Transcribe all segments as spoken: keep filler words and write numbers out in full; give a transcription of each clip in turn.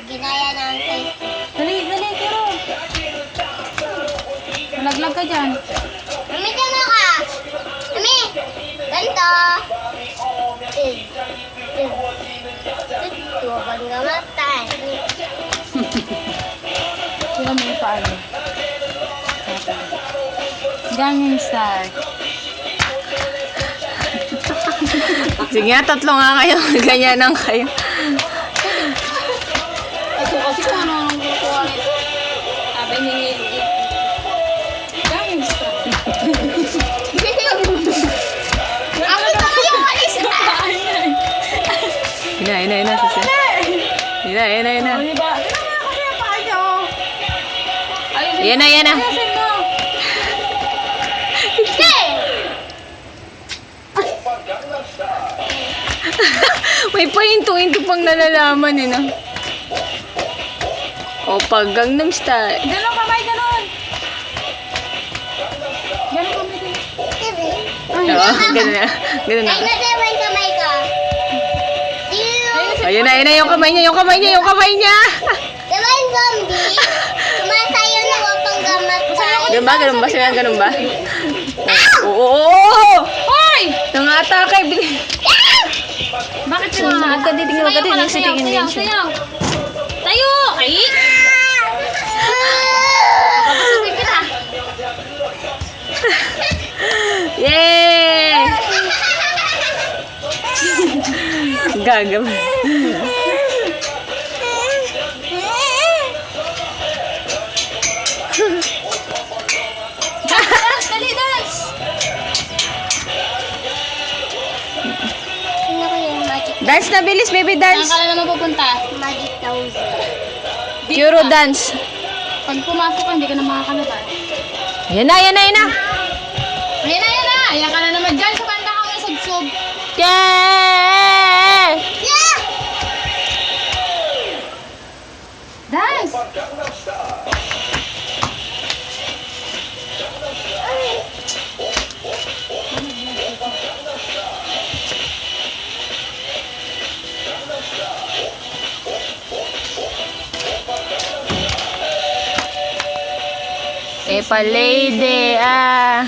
ginaya ng face. Dali, dali, pero. Malaglag ka dyan. Mami, tama ka. Mami, ganito. Eh, eh. Tuwag nga mata. Sila mo yung paano. Ganyan start. Sige nga, tatlo nga kayo. Ganyan lang kayo. Ito kasi kung ano nang kukuha nito. Sabi ni Nili. Ganyan start. Ako ito kayo, alis na. Ina, ina, ina. Sisi. Ina, ina, ina. O, diba? Tignan mo kasi yung paa niya, oh. Ayusin Yan mo. na, yan na. Ayusin mo. May pahinto-hinto pang nalalaman eh, no? O, pag Gangnam Style. Ganon kamay, ganon. Ganon kamay, ganon. Oo, ganun na. Ganun na. Ay, nasabay kamay ka. Ayun na, ayun na yung kamay niya, yung kamay niya, yung kamay niya. Diba yung zombie? Sumasayaw na wapang gamat tayo. Ganun ba? Ganun ba? Sila ganun ba? Oo, oo, oo! Hoy! Nangatake, bili. Bakit Oo, sila? magkaditingin, magkaditingin, Sayaw, sitingin sayaw, din siya. sayaw. Tayo! Ay! Papasukin kita. Yay! Gagam. Dance, dali, dance! Sino ko yung magic? Dance na, bilis, baby, Saan dance. ka na naman pupunta? Magic thousand. Dito Euro ka. dance. Pag pumasok ka, hindi ka na makakalabas. Yan na, yan na, yan na. Ayan na, ayan na! Ayan ka na naman dyan sa banda ka ng sugsog. Yeah! Yeah! Dance! Epa lady, ah.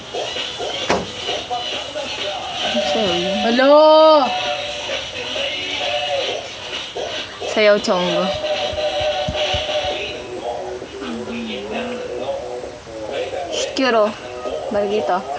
Hello! Sayaw chongo. Shikuro. Balik dito.